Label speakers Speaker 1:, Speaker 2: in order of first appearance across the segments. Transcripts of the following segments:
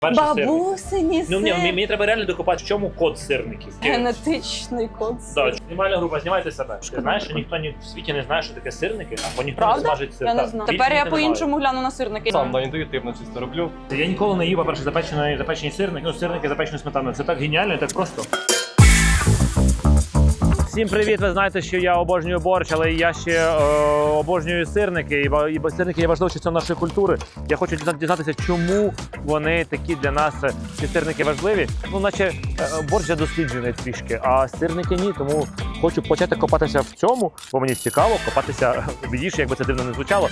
Speaker 1: Бабусині
Speaker 2: Ну,
Speaker 1: сир.
Speaker 2: мені треба реально докопати, в чому код сирників.
Speaker 1: Генетичний код
Speaker 2: Так,
Speaker 1: сиру.
Speaker 2: знімальна група, знімайте себе. Ти знаєш, що ніхто в світі не знає, що таке сирники, або ніхто не
Speaker 1: Правда?
Speaker 2: смажить сир.
Speaker 1: Я не
Speaker 2: Так,
Speaker 1: знаю.
Speaker 2: більше
Speaker 1: Тепер я
Speaker 2: ніхто не
Speaker 1: по-іншому гляну на сирники.
Speaker 3: Сам інтуїтивно чисто роблю.
Speaker 2: має. Я ніколи не їв, по-перше, запечені сирники, ну, сирники запечені сметаною. Це так геніально і так просто. Всім привіт! Ви знаєте, що я обожнюю борщ, але я ще обожнюю сирники. І сирники є важливою частиною нашої культури. Я хочу дізнатися, чому вони такі для нас, ці сирники важливі. Ну, наче борщ вже досліджений трішки, а сирники ні. Тому хочу почати копатися в цьому, бо мені цікаво копатися в їжі, якби це дивно не звучало.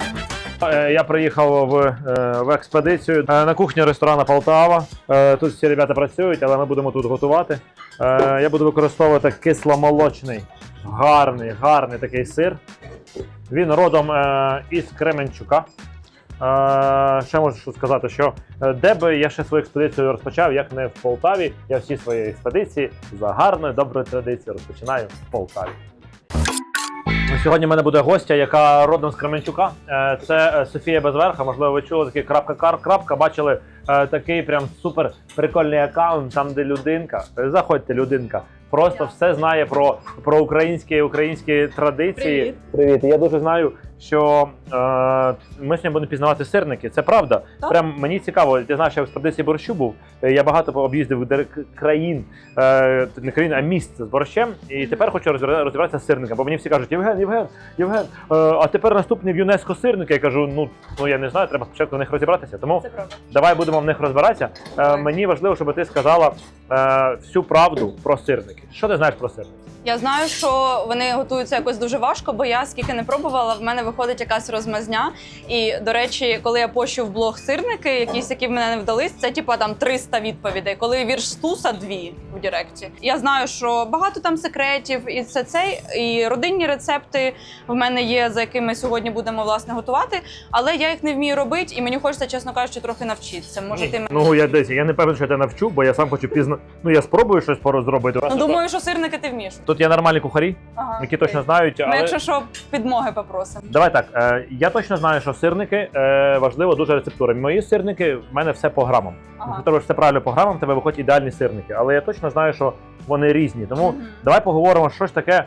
Speaker 2: Я приїхав в експедицію на кухню ресторану Полтава. Тут всі ребята працюють, але ми будемо тут готувати. Я буду використовувати кисломолочний, гарний такий сир. Він родом із Кременчука. Ще можу сказати, що де би я ще свою експедицію розпочав, як не в Полтаві. Я всі свої експедиції за гарною, доброю традицією розпочинаю в Полтаві. Сьогодні в мене буде гостя, яка родом з Кременчука. Це Софія Безверха. Можливо, ви чули такий крапка, бачили такий прям супер прикольний аккаунт, там де людинка. Заходьте, людинка. Просто все знає про українські традиції. Привіт. Я дуже знаю, що ми сьогодні будемо пізнавати сирники. Це правда.
Speaker 1: Так.
Speaker 2: Прям мені цікаво. Ти знаєш, я в експедиції борщу був. Я багато об'їздив країн, не країн, а міст з борщем. І тепер хочу розібратися з сирниками. Бо мені всі кажуть, Євген, а тепер наступний в ЮНЕСКО сирники. Я кажу, ну я не знаю, треба спочатку в них розібратися. Тому давай будемо в них розбиратися. Мені важливо, щоб ти сказала всю правду про сирники. Що ти знаєш про сирники?
Speaker 1: Я знаю, що вони готуються якось дуже важко, бо я скільки не пробувала, в мене виходить якась розмазня. І, до речі, коли я пощу в блог сирники, якісь, які в мене не вдались, це типа там 300 відповідей. Коли вірш Стуса 2 в Директі. Я знаю, що багато там секретів, і і родинні рецепти в мене є, за якими сьогодні будемо, власне, готувати. Але я їх не вмію робити, і мені хочеться, чесно кажучи, трохи навчитися. Може, ти мене...
Speaker 2: Ну, я не певен, що я тебе навчу, бо я сам хочу я спробую щось зробити.
Speaker 1: Ну, думаю, що сирники ти вмієш.
Speaker 2: Тут є нормальні кухарі,
Speaker 1: Ага,
Speaker 2: які точно знають, але...
Speaker 1: Ми, якщо що, підмоги попросимо.
Speaker 2: Давай так, я точно знаю, що сирники важливо дуже рецептура. Мої сирники, в мене все по грамам. Якщо ти робиш все правильно по грамам, в тебе виходять ідеальні сирники. Але я точно знаю, що вони різні. Тому давай поговоримо, що ж таке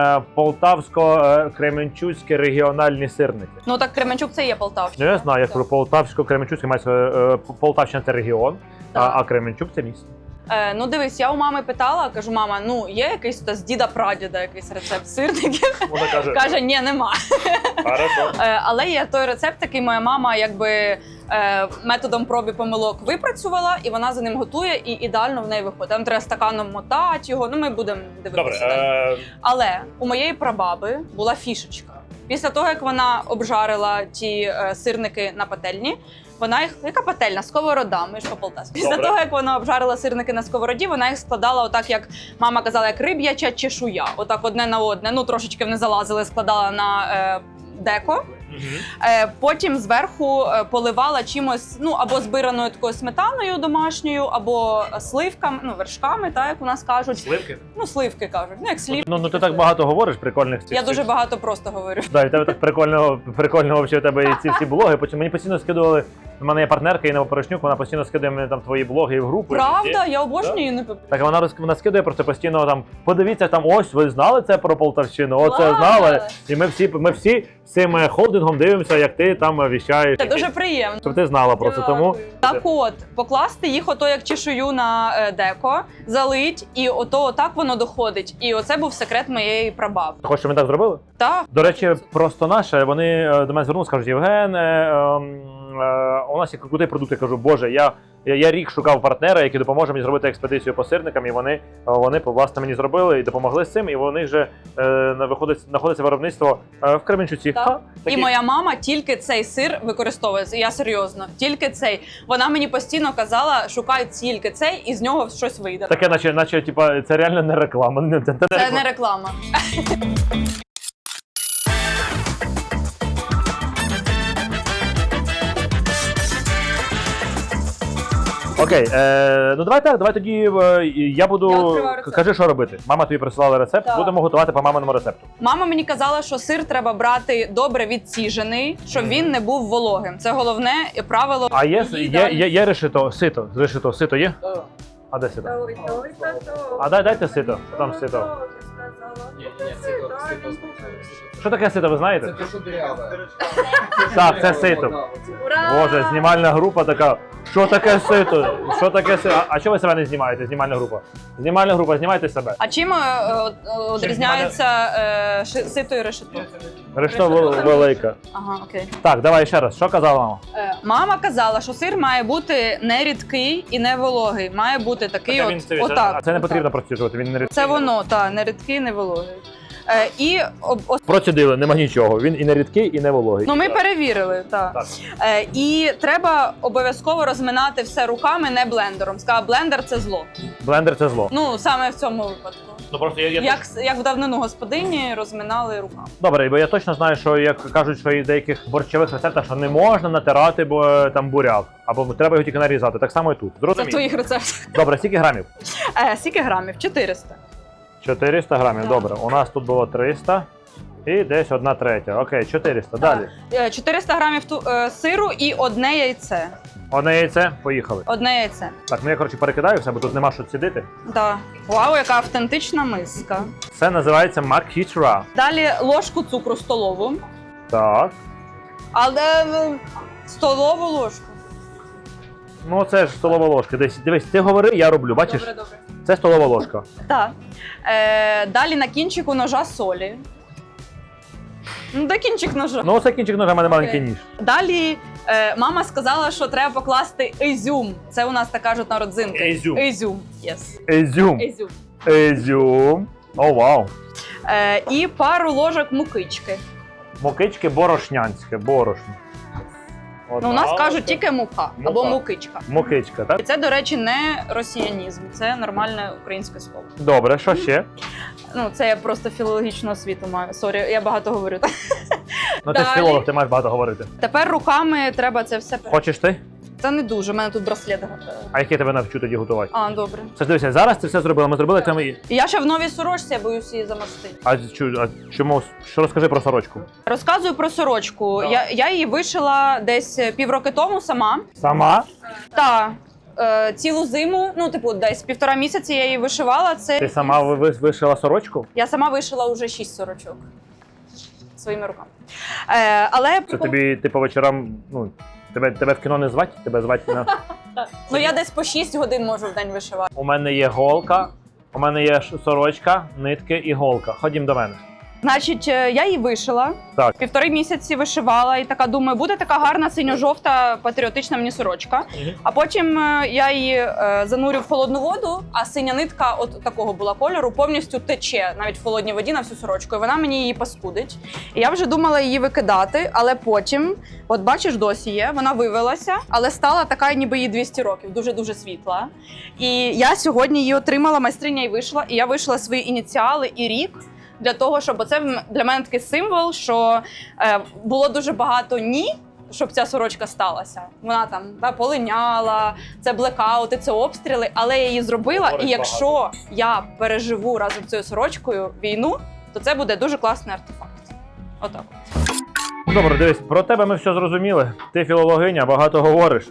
Speaker 2: полтавсько-кременчуцькі регіональні сирники.
Speaker 1: Ну так Кременчук це є Полтавщина.
Speaker 2: Ну, я знаю, як про полтавсько-кременчуцьке мається Полтавщина це регіон, а Кременчук це місто.
Speaker 1: Ну дивись, я у мами питала, кажу, мама, ну є якийсь з діда-прадіда якийсь рецепт сирників?
Speaker 2: Вона каже,
Speaker 1: Каже, ні, нема.
Speaker 2: Хорошо.
Speaker 1: Але є той рецепт, який моя мама якби методом проб і помилок випрацювала, і вона за ним готує, і ідеально в неї виходить. Там треба стаканом мотати його, ну ми будемо дивитися.
Speaker 2: Добре.
Speaker 1: Але у моєї прабаби була фішечка. Після того, як вона обжарила ті сирники на пательні, вона їх, яка пательня? Сковорода, ми ж по-полтавськи. Після того, як вона обжарила сирники на сковороді, вона їх складала отак, як мама казала, як риб'яча чешуя. Отак одне на одне, ну трошечки вони залазили, складала на деко. Потім зверху поливала чимось, ну або збираною такою сметаною домашньою, або сливками, ну вершками, так як у нас кажуть.
Speaker 2: Сливки?
Speaker 1: Ну сливки кажуть, ну як сливки.
Speaker 2: Ну ти так багато говориш прикольних цих.
Speaker 1: Я дуже багато просто говорю.
Speaker 2: Да, і тебе так прикольно взагалі у тебе і ці всі блоги. Потім мені постійно скидували. У мене є партнерка Інна Порошнюк, вона постійно скидує мені там твої блоги в групу.
Speaker 1: Правда? Я обожнюю її.
Speaker 2: Так вона скидує просто постійно там. Подивіться там, ось ви знали це про Полтавщину, оце знали. І ми всі з цим холдингом дивимося, як ти там віщаєш.
Speaker 1: Це дуже приємно.
Speaker 2: Щоб ти знала просто. Тому
Speaker 1: так от, покласти їх ото як чешую на деко, залить, і отак воно доходить. І оце був секрет моєї прабабки.
Speaker 2: хочеш, щоб ми так зробили?
Speaker 1: Так.
Speaker 2: До речі, просто наше, вони до мене звернулися, кажуть, Євген, у нас є крутий продукт. Я кажу, боже, я рік шукав партнера, який допоможе мені зробити експедицію по сирникам, і вони власне мені зробили і допомогли з цим, і вони вже знаходиться виробництво в Кременчуці.
Speaker 1: Так. І моя мама тільки цей сир використовує, я серйозно, тільки цей. Вона мені постійно казала, шукай тільки цей, і з нього щось вийде.
Speaker 2: Таке, наче типа, це реально не реклама.
Speaker 1: Це не реклама.
Speaker 2: Окей, ну давай так, давай тоді я
Speaker 1: Я
Speaker 2: буду.
Speaker 1: відкриваю рецепт.
Speaker 2: Кажи, що робити. Мама тобі присилала рецепт,
Speaker 1: Так.
Speaker 2: будемо готувати по маминому рецепту.
Speaker 1: Мама мені казала, що сир треба брати добре відсіжений, щоб він не був вологим. Це головне правило.
Speaker 2: А є
Speaker 1: її
Speaker 2: решето, сито є? А де сито? А дайте сито. Там сито. Що таке сито, ви знаєте?
Speaker 3: Це те, що дыряве.
Speaker 2: Так, це сито.
Speaker 1: Ура!
Speaker 2: Боже, знімальна група така. Що таке сито? Що таке сито? А чого ви себе не знімаєте, знімальна група? Знімальна група, знімайте себе.
Speaker 1: А чим відрізняється сито і решето?
Speaker 2: Решта велика.
Speaker 1: Ага, окей.
Speaker 2: Так, давай ще раз. Що казала мама?
Speaker 1: Мама казала, що сир має бути не рідкий і не вологий. Має бути такий отак.
Speaker 2: А це не потрібно
Speaker 1: отак.
Speaker 2: проціжувати, він не рідкий.
Speaker 1: Це воно, так, не рідкий, не вологий. І
Speaker 2: Процідили, нема нічого. Він і не рідкий, і не вологий.
Speaker 1: ну ми перевірили, так.
Speaker 2: Так.
Speaker 1: І треба обов'язково розминати все руками, не блендером. Сказала, блендер це зло.
Speaker 2: Блендер це зло.
Speaker 1: Ну саме в цьому випадку.
Speaker 2: Ну просто
Speaker 1: Як в давнину господині розминали руками.
Speaker 2: Добре, бо я точно знаю, що як кажуть, що і в деяких борщових рецептах, що не можна натирати там буряк, або треба його тільки нарізати. Так само і тут.
Speaker 1: Це в
Speaker 2: Зрозуміло?
Speaker 1: твоїх рецептах.
Speaker 2: Добре, скільки грамів?
Speaker 1: Скільки грамів? 400.
Speaker 2: 400 грамів.
Speaker 1: Так.
Speaker 2: Добре, у нас тут було 300 і десь 1/3. Окей, 400. Далі.
Speaker 1: 400 грамів сиру і одне яйце.
Speaker 2: Одне яйце, поїхали.
Speaker 1: Одне яйце.
Speaker 2: Так, ну я, коротше, перекидаю все, бо тут нема що цідити.
Speaker 1: Да. Вау, яка автентична миска.
Speaker 2: Це називається макітра.
Speaker 1: Далі ложку цукру столову.
Speaker 2: Так.
Speaker 1: Але столову ложку.
Speaker 2: Ну це ж столова ложка. Дивись, ти говори, я роблю. Бачиш?
Speaker 1: Добре.
Speaker 2: Це столова ложка.
Speaker 1: Так. Далі на кінчику ножа солі. Ну, де кінчик ножа?
Speaker 2: Ну, це кінчик ножа, в мене маленький
Speaker 1: Окей.
Speaker 2: ніж.
Speaker 1: Далі мама сказала, що треба покласти ізюм. Це у нас так кажуть на родзинки.
Speaker 2: Ізюм.
Speaker 1: Ізюм. Yes.
Speaker 2: Ізюм.
Speaker 1: Ізюм.
Speaker 2: Ізюм. О, вау.
Speaker 1: І пару ложок мукички.
Speaker 2: Мукички борошнянське, борошно.
Speaker 1: Ну, у нас кажуть тільки мука або
Speaker 2: Мука.
Speaker 1: мукичка.
Speaker 2: Мукичка,
Speaker 1: І
Speaker 2: так?
Speaker 1: це, до речі, не росіянізм, це нормальне українське слово.
Speaker 2: Добре, що ще?
Speaker 1: Ну, це я просто філологічну освіту маю. Сорі, я багато говорю.
Speaker 2: Ну ти ж
Speaker 1: Далі.
Speaker 2: філолог, ти маєш багато говорити.
Speaker 1: Тепер руками треба це все.
Speaker 2: Хочеш ти?
Speaker 1: Це не дуже, у мене тут браслет.
Speaker 2: А як я тебе навчу тоді готувати?
Speaker 1: А, добре.
Speaker 2: Це ж дивися, зараз ти все зробила. Ми зробили там і.
Speaker 1: І я ще в новій сорочці, я боюсь її замастити.
Speaker 2: А чому? Що розкажи про сорочку?
Speaker 1: Розказую про сорочку.
Speaker 2: Так.
Speaker 1: Я її вишила десь півроки тому сама.
Speaker 2: Сама?
Speaker 1: Та цілу зиму, ну, типу, десь 1,5 місяці я її вишивала.
Speaker 2: Ти
Speaker 1: Це
Speaker 2: сама вишила сорочку?
Speaker 1: я сама вишила вже 6 сорочок своїми руками. Але
Speaker 2: Це тобі, ти по вечорам, ну, тебе в кіно не звать? Тебе звать на.
Speaker 1: ну я десь по 6 годин можу в день вишивати.
Speaker 2: У мене є голка, у мене є сорочка, нитки і голка. Ходім до мене.
Speaker 1: Значить, я її вишила.
Speaker 2: Так.
Speaker 1: 1,5 місяці вишивала і така думаю, буде така гарна синьо-жовта патріотична мені сорочка. А потім я її занурю в холодну воду, а синя нитка от такого була кольору повністю тече навіть в холодній воді на всю сорочку. І вона мені її паскудить. І я вже думала її викидати, але потім, от бачиш, досі є, вона вивелася, але стала така, ніби їй 200 років, дуже-дуже світла. І я сьогодні її отримала, майстриня і вийшла, і я вийшла свої ініціали і рік. Для того, щоб це для мене такий символ, що було дуже багато ні, щоб ця сорочка сталася. Вона там полиняла, це блекаути, це обстріли, але я її зробила.
Speaker 2: Говорить
Speaker 1: І якщо я переживу разом з цією сорочкою війну, то це буде дуже класний артефакт. Отак.
Speaker 2: Добре, дивись, про тебе ми все зрозуміли. Ти філологиня, багато говориш,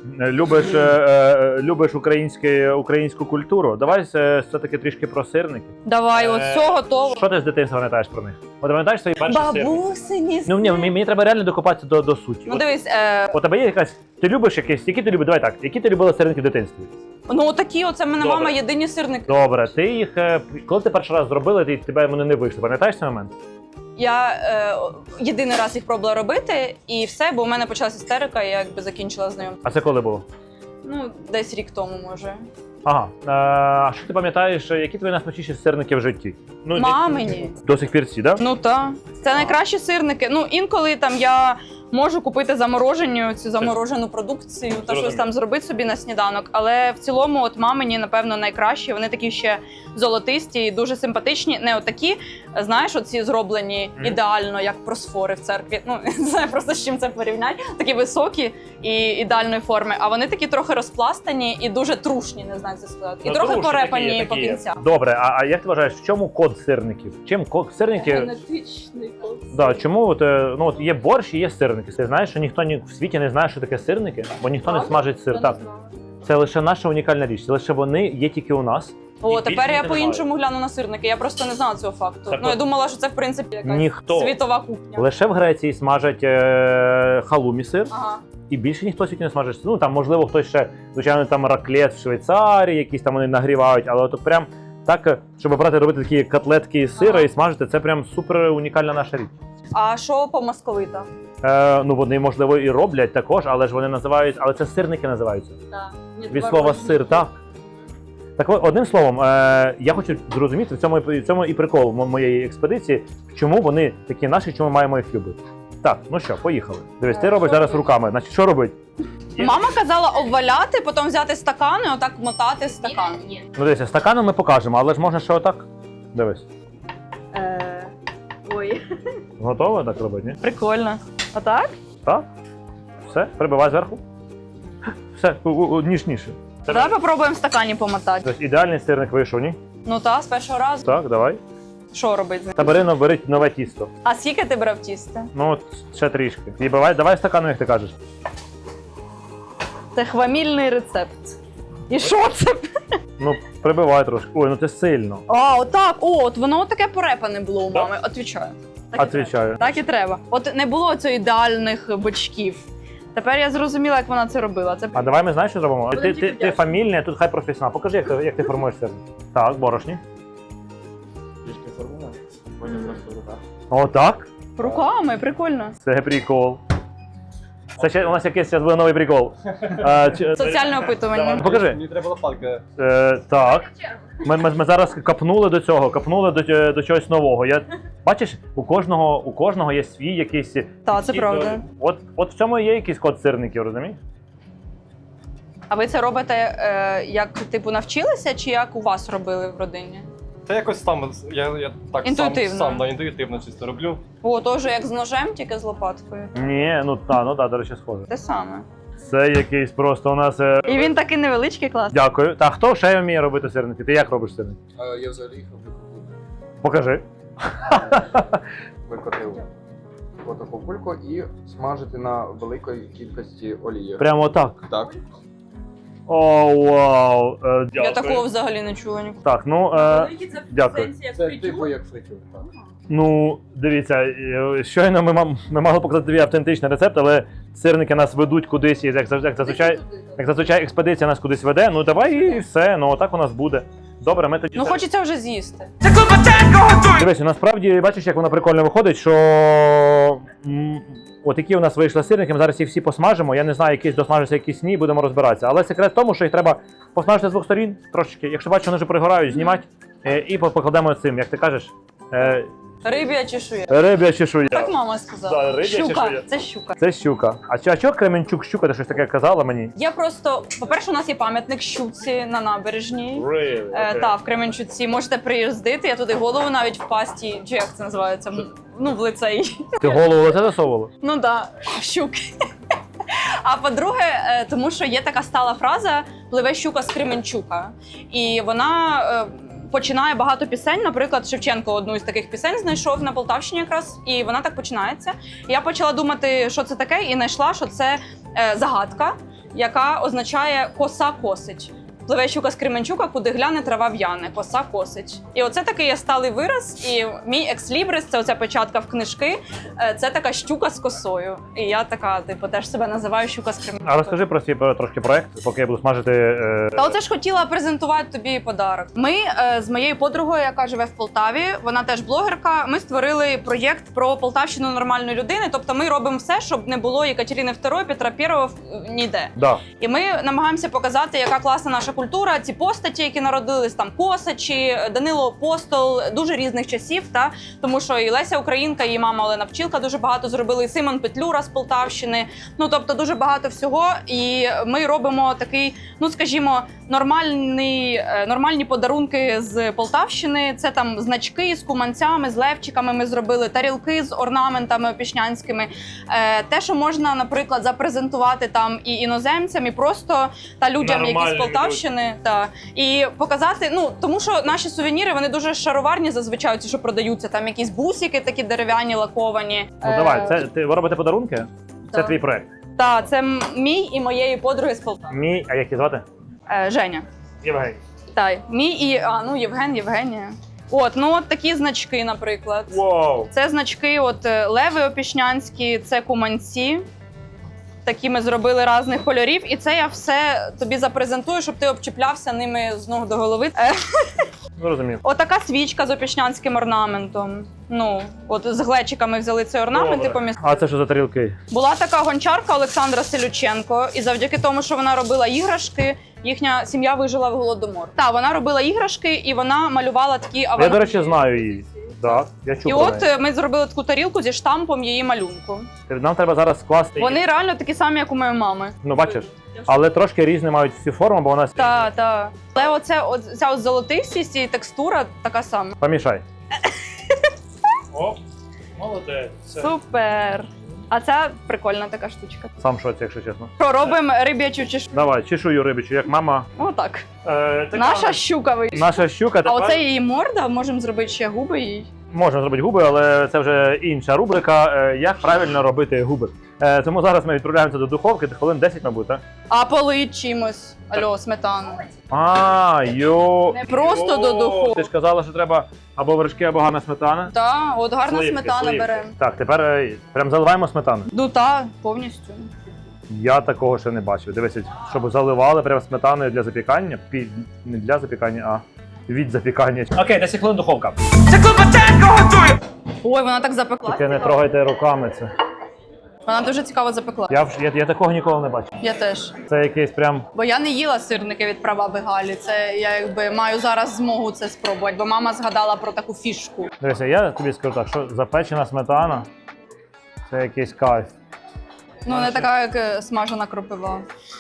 Speaker 2: любиш українську культуру. Давай все-таки трішки про сирники.
Speaker 1: Давай, от все готово.
Speaker 2: Що ти з дитинства пам'ятаєш про них? От пам'ятаєш свої перші сирники?
Speaker 1: Бабусині.
Speaker 2: Ну ні, мені треба реально докопатися до суті.
Speaker 1: Ну
Speaker 2: От
Speaker 1: дивись,
Speaker 2: у тебе є якась. Ти любиш якісь, які ти любиш? Давай так, які ти любила сирники в дитинстві?
Speaker 1: ну такі, оце в мене
Speaker 2: Добре.
Speaker 1: мама єдині сирники.
Speaker 2: Добре, ти їх, коли ти перший раз зробила, тебе вони не вийшли. Пам'ятаєш цей момент?
Speaker 1: Я єдиний раз їх пробувала робити, і все, бо у мене почалася істерика, і я якби закінчила знайомство.
Speaker 2: А це коли було?
Speaker 1: Ну, десь рік тому, може.
Speaker 2: Ага. А що ти пам'ятаєш, які твої найсмачніші сирники в житті? Ну,
Speaker 1: Мамині.
Speaker 2: До сих пір ці, так? Да?
Speaker 1: Ну так. Це найкращі сирники. Ну, інколи там я можу купити цю заморожену продукцію та
Speaker 2: Зрозуміло.
Speaker 1: щось там зробити собі на сніданок. Але в цілому, от мамині, напевно, найкращі. Вони такі ще золотисті і дуже симпатичні. Не отакі, знаєш, оці зроблені ідеально, як просфори в церкві. Ну, не знаю просто з чим це порівняти. Такі високі і ідеальної форми. А вони такі трохи розпластані і дуже трушні, не знаю, це сказати. І
Speaker 2: Ну,
Speaker 1: трохи
Speaker 2: трушні
Speaker 1: порепані
Speaker 2: такі є,
Speaker 1: по
Speaker 2: такі є.
Speaker 1: кінцях.
Speaker 2: Добре, а як ти вважаєш, в чому код сирників? Чим сирники?
Speaker 1: Генетичний код.
Speaker 2: Да, чому от є борщ і є сирники? Ти знаєш, що ніхто в світі не знає, що таке сирники, бо ніхто не смажить сир. Так, це лише наша унікальна річ. Лише вони є тільки у нас.
Speaker 1: О,
Speaker 2: І
Speaker 1: тепер
Speaker 2: більше
Speaker 1: я
Speaker 2: ніде
Speaker 1: по-іншому гляну на сирники. Я просто не знала цього факту.
Speaker 2: Так
Speaker 1: Ну, я
Speaker 2: от,
Speaker 1: думала, що це, в принципі, якась
Speaker 2: ніхто.
Speaker 1: світова кухня.
Speaker 2: Лише в Греції смажать халумі сир,
Speaker 1: Ага.
Speaker 2: і більше ніхто в світі не смажить. Ну там можливо хтось ще, звичайно, там раклет в Швейцарії, якісь там вони нагрівають, але от прям так, щоб брати робити такі котлетки із сира і смажити, це прям супер унікальна наша річ.
Speaker 1: А що по московита?
Speaker 2: Ну вони можливо і роблять також, але ж вони називають, але це сирники називаються. Від слова сир, так. Так от, одним словом, я хочу зрозуміти в цьому і прикол моєї експедиції, чому вони такі наші, чому маємо їх любити. Так, ну що, поїхали. Дивись, ти робиш зараз руками. Значить, що робить?
Speaker 1: Мама казала обваляти, потім взяти стакан і отак мотати стакан.
Speaker 2: Ну дивися, стаканом ми покажемо, але ж можна ще отак. Дивись.
Speaker 1: Ой.
Speaker 2: Готово так робити, ні?
Speaker 1: Прикольно. Отак?
Speaker 2: Так. Все, прибивай зверху. Все, ніжніше.
Speaker 1: Давай попробуємо в стакані помотати.
Speaker 2: Тобто ідеальний сирник вийшов, ні?
Speaker 1: Ну так, з першого разу.
Speaker 2: Так, давай.
Speaker 1: Що робити з ним?
Speaker 2: Та бери нове тісто.
Speaker 1: А скільки ти брав тісто?
Speaker 2: Ну, от ще трішки. І давай стаканом, як ти кажеш.
Speaker 1: Це хвамільний рецепт. І що це?
Speaker 2: Ну, прибивай трошки. Ой, ну це сильно.
Speaker 1: А, отак. О, от воно таке порепане було у мами. Отвічаю. Так і
Speaker 2: Отвічаю.
Speaker 1: треба. Так і треба. От не було цього ідеальних бочків. Тепер я зрозуміла, як вона це робила. Це
Speaker 2: А давай ми знаєш, що зробимо?
Speaker 1: Будемо
Speaker 2: Ти
Speaker 1: тільки вдячні.
Speaker 2: фамільний, а тут хай професіонал. Покажи, як ти формуєш сирник. Так, борошні.
Speaker 3: Трішки формуємо, потім просто в руках.
Speaker 2: Отак.
Speaker 1: руками, прикольно.
Speaker 2: Це прикол. Це ще у нас якийсь зараз буде новий прикол.
Speaker 1: Соціальне опитування.
Speaker 2: Покажи.
Speaker 3: Мені треба лопатка.
Speaker 2: Так. Ми зараз капнули до цього, капнули до чогось нового. Бачиш, у кожного є свій якийсь.
Speaker 1: Так, це правда.
Speaker 2: От в цьому є якийсь код сирників, розумієш?
Speaker 1: А ви це робите як типу навчилися, чи як у вас робили в родині?
Speaker 3: Та якось там, я так
Speaker 1: Інтуїтивно.
Speaker 3: сам інтуїтивно чисто роблю.
Speaker 1: О, теж як з ножем, тільки з лопаткою.
Speaker 2: Ні, ну так, до речі, схоже.
Speaker 1: Те саме.
Speaker 2: Це якийсь просто у нас.
Speaker 1: І він такий невеличкий, клас.
Speaker 2: Дякую. Та хто ще вміє робити сирники? Ти як робиш сирники?
Speaker 4: Я взагалі їх роблю кукурудзу.
Speaker 2: Покажи.
Speaker 4: Викотив отаку кульку і смажити на великій кількості олії.
Speaker 2: Прямо так.
Speaker 4: Так.
Speaker 2: О, вау. Дякую.
Speaker 1: Я такого взагалі не чула ніколи.
Speaker 2: Так, ну дякую.
Speaker 4: Це типу як фритюр, так.
Speaker 2: Ну, дивіться, щойно ми мали показати тобі автентичний рецепт, але сирники нас ведуть кудись, і як зазвичай експедиція нас кудись веде. Ну давай і все, ну отак у нас буде. Добре, ми тоді.
Speaker 1: Ну хочеться вже з'їсти.
Speaker 2: Дивись, насправді бачиш, як воно прикольно виходить, що от які у нас вийшли сирники, ми зараз їх всі посмажимо. Я не знаю, якісь досмажаться, якісь ні, будемо розбиратися. Але секрет в тому, що їх треба посмажити з двох сторін трошечки. Якщо бачиш, вони вже пригорають, знімати і покладемо цим, як ти кажеш,
Speaker 1: Риб'я чешуя.
Speaker 2: риб'я чешуя.
Speaker 1: Так мама
Speaker 2: Да,
Speaker 1: сказала.
Speaker 2: риб'я
Speaker 1: Щука.
Speaker 2: чешуя.
Speaker 1: Це щука.
Speaker 2: Це щука. А чого Кременчук щука, ти щось таке казала мені?
Speaker 1: Я просто, по-перше, у нас є пам'ятник щуці на набережній. Та, в Кременчуці. Можете приїздити, я туди голову навіть в пасті, чи як це називається? Ну, в лицей.
Speaker 2: Ти голову в лице засовувала?
Speaker 1: Ну да, щуки. А по-друге, тому що є така стала фраза «пливе щука з Кременчука». І вона починає багато пісень. Наприклад, Шевченко одну із таких пісень знайшов на Полтавщині якраз, і вона так починається. І я почала думати, що це таке, і знайшла, що це загадка, яка означає «коса косить». Пливе щука з Кременчука, куди гляне, трава в'яне, коса косить. І оце такий є сталий вираз, і мій екслібрис, це оця печатка в книжки, це така щука з косою. І я така, типу, теж себе називаю щука з Кременчука.
Speaker 2: А розкажи про свій трошки проект, поки я буду смажити.
Speaker 1: Та оце ж хотіла презентувати тобі подарок. Ми з моєю подругою, яка живе в Полтаві, вона теж блогерка, ми створили проєкт про Полтавщину нормальної людини. Тобто ми робимо все, щоб не було Екатерини II, Петра I ніде.
Speaker 2: Да.
Speaker 1: І ми намагаємося показати, яка класна наша культура, ці постаті, які народились, там Косачі, Данило Апостол, дуже різних часів, та тому що і Леся Українка, і мама Олена Пчілка дуже багато зробили, і Симон Петлюра з Полтавщини. Ну тобто дуже багато всього. І ми робимо такий, ну скажімо, нормальні подарунки з Полтавщини. Це там значки з куманцями, з левчиками. Ми зробили тарілки з орнаментами опішнянськими. Те, що можна, наприклад, запрезентувати там і іноземцям, і просто та людям, які з Полтавщини, та і показати. Ну тому що наші сувеніри вони дуже шароварні зазвичай, ці, що продаються. Там якісь бусики такі дерев'яні, лаковані.
Speaker 2: Ну давай, це ви робите подарунки? Це
Speaker 1: Так.
Speaker 2: твій проект.
Speaker 1: Так, це мій і моєї подруги з Полтави.
Speaker 2: Мій, а як її звати?
Speaker 1: Женя.
Speaker 2: Євгеній.
Speaker 1: Так, мій і Євгенія. От такі значки, наприклад.
Speaker 2: Вау!
Speaker 1: Це значки, леви опішнянські, це куманці. Такі ми зробили різних кольорів, і це я все тобі запрезентую, щоб ти обчіплявся ними з ног до голови.
Speaker 2: Зрозумів.
Speaker 1: Отака свічка з опішнянським орнаментом. Ну, з глечиками взяли цей орнамент і помістили.
Speaker 2: А це що за тарілки?
Speaker 1: Була така гончарка Олександра Селюченко, і завдяки тому, що вона робила іграшки, їхня сім'я вижила в голодомор. Так, вона робила іграшки і вона малювала такі
Speaker 2: Я, до речі, знаю її. Так, я чув
Speaker 1: І
Speaker 2: про неї.
Speaker 1: ми зробили таку тарілку зі штампом її малюнку.
Speaker 2: Нам треба зараз скласти її.
Speaker 1: Вони реально такі самі, як у моєї мами.
Speaker 2: Ну, бачиш? Але трошки різні мають всі форми, бо вона...
Speaker 1: Так. Але ця золотистість і текстура така сама.
Speaker 2: Помішай.
Speaker 3: Оп, молодець. Все.
Speaker 1: Супер! А це прикольна така штучка.
Speaker 2: Сам в шоці, якщо чесно.
Speaker 1: Що, робимо риб'ячу чешку?
Speaker 2: Давай, чешую рибичу, як мама.
Speaker 1: Отак.
Speaker 2: Така
Speaker 1: Наша щука вийшла.
Speaker 2: Наша щука
Speaker 1: А
Speaker 2: тепер...
Speaker 1: оце її морда, можемо зробити ще губи їй.
Speaker 2: Можна зробити губи, але це вже інша рубрика. Як правильно робити губи. Тому зараз ми відправляємося до духовки, хвилин 10, мабуть, так?
Speaker 1: А полить чимось. Алло, сметану.
Speaker 2: Не
Speaker 1: просто до духовки.
Speaker 2: Ти ж казала, що треба або вершки, або гарна сметана.
Speaker 1: Так, от гарна сметана
Speaker 2: сливки.
Speaker 1: беремо.
Speaker 2: Так, тепер прям заливаємо сметану.
Speaker 1: Ну так, повністю.
Speaker 2: Я такого ще не бачив. Дивися, щоб заливали прям сметаною для запікання. Не для запікання, а від запікання. Окей, 10 хвилин духовка.
Speaker 1: Ой, вона так запекла.
Speaker 2: Тільки не трогайте руками це.
Speaker 1: Вона дуже цікаво запекла.
Speaker 2: Я такого ніколи не бачив.
Speaker 1: Я теж.
Speaker 2: Це якийсь прям...
Speaker 1: Бо я не їла сирники від прабаби Галі. Це я якби маю зараз змогу це спробувати, бо мама згадала про таку фішку.
Speaker 2: Дивися, я тобі скажу так, що запечена сметана – це якийсь кайф.
Speaker 1: Ну, не така, як смажена кропива.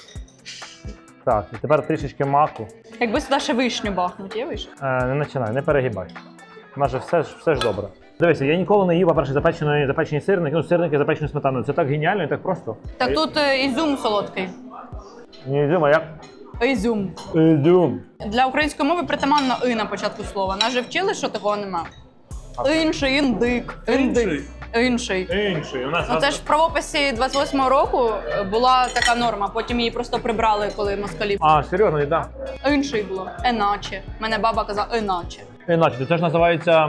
Speaker 2: Так, і тепер трішечки маку.
Speaker 1: Якби сюди ще вишню бахнуть, є вишня?
Speaker 2: Не починай, не перегибай. У нас же все ж добре. Дивися, я ніколи не їв, по-перше, запечені сирники, сирники запечені сметаною. Це так геніально і так просто.
Speaker 1: Так тут ізюм солодкий.
Speaker 2: Не ізюм, а як?
Speaker 1: Ізюм.
Speaker 2: Ізюм.
Speaker 1: Для української мови притаманно «и» на початку слова. Нас же вчили, що такого нема. Інший, індик, індик. Інший.
Speaker 2: Інший. У нас
Speaker 1: Ну це ж в правописі 28-го року була така норма, потім її просто прибрали, коли москалі.
Speaker 2: А, серйозно, і да.
Speaker 1: Інший було. Еначе. Мене баба казала еначе.
Speaker 2: Іначе, це ж називається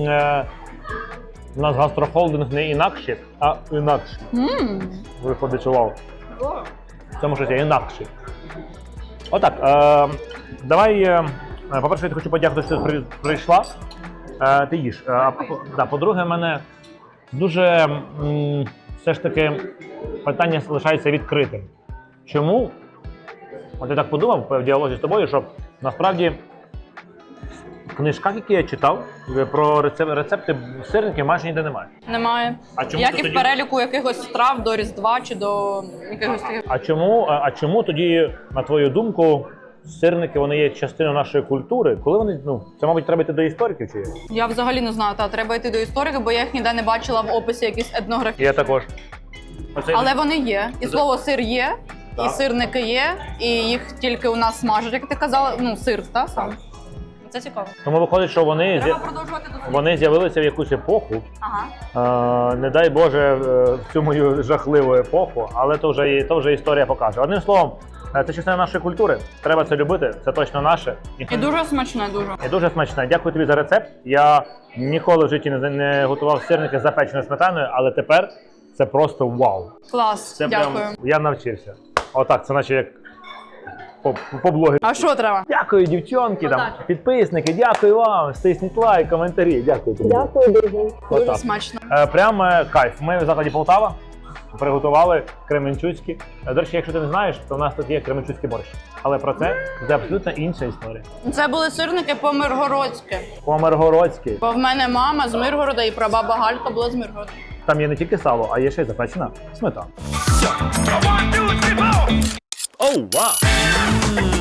Speaker 2: у нас гастрохолдинг не інакше, а інакше. Виходить, що вау. В цьому щось є інакше. Отак, давай, по-перше, я хочу подякувати, що ти прийшла. Ти їж. По-друге, в мене дуже все ж таки питання залишається відкритим. Чому? От я так подумав в діалозі з тобою, що насправді в книжках, які я читав, про рецепти сирників майже ніде немає.
Speaker 1: Немає.
Speaker 2: А чому
Speaker 1: Як
Speaker 2: ти
Speaker 1: і в
Speaker 2: тоді-
Speaker 1: переліку якихось страв до Різдва чи до якихось таких.
Speaker 2: А чому тоді, на твою думку, сирники вони є частиною нашої культури? Коли вони, це, мабуть, треба йти до істориків чи є?
Speaker 1: Я взагалі не знаю, треба йти до історика, бо я їх ніде не бачила в описі якісь етнографії.
Speaker 2: Я також.
Speaker 1: Але вони є. І слово сир є, і сирники є, і їх тільки у нас смажать, як ти казала, сир, так? Сам. Це цікаво.
Speaker 2: Тому виходить, що
Speaker 1: Треба продовжувати дослідження.
Speaker 2: вони з'явилися в якусь епоху.
Speaker 1: Ага.
Speaker 2: Не дай Боже, в цю мою жахливу епоху, але то вже історія покаже. Одним словом, це частина нашої культури. Треба це любити, це точно наше.
Speaker 1: І дуже смачне, дуже.
Speaker 2: І дуже смачне. Дякую тобі за рецепт. Я ніколи в житті не готував сирники з запеченою сметаною, але тепер це просто вау.
Speaker 1: Клас,
Speaker 2: Це
Speaker 1: дякую.
Speaker 2: прям я навчився. Отак, це наче як по блогері.
Speaker 1: А що треба?
Speaker 2: Дякую, дівчонки, там,
Speaker 1: Отак.
Speaker 2: підписники, дякую вам, стисніть лайк, коментарі. Дякую тобі.
Speaker 1: Дуже
Speaker 2: Отак.
Speaker 1: смачно.
Speaker 2: Прям кайф. Ми в закладі Полтава. Приготували кременчуцькі. До речі, якщо ти не знаєш, то у нас тут є кременчуцький борщ. Але про це абсолютно інша історія.
Speaker 1: Це були сирники по-миргородськи.
Speaker 2: По-миргородськи.
Speaker 1: Бо в мене мама з Миргорода і прабаба Галька була з Миргорода.
Speaker 2: Там є не тільки сало, а є ще й запечена сметана.
Speaker 5: Oh, wow.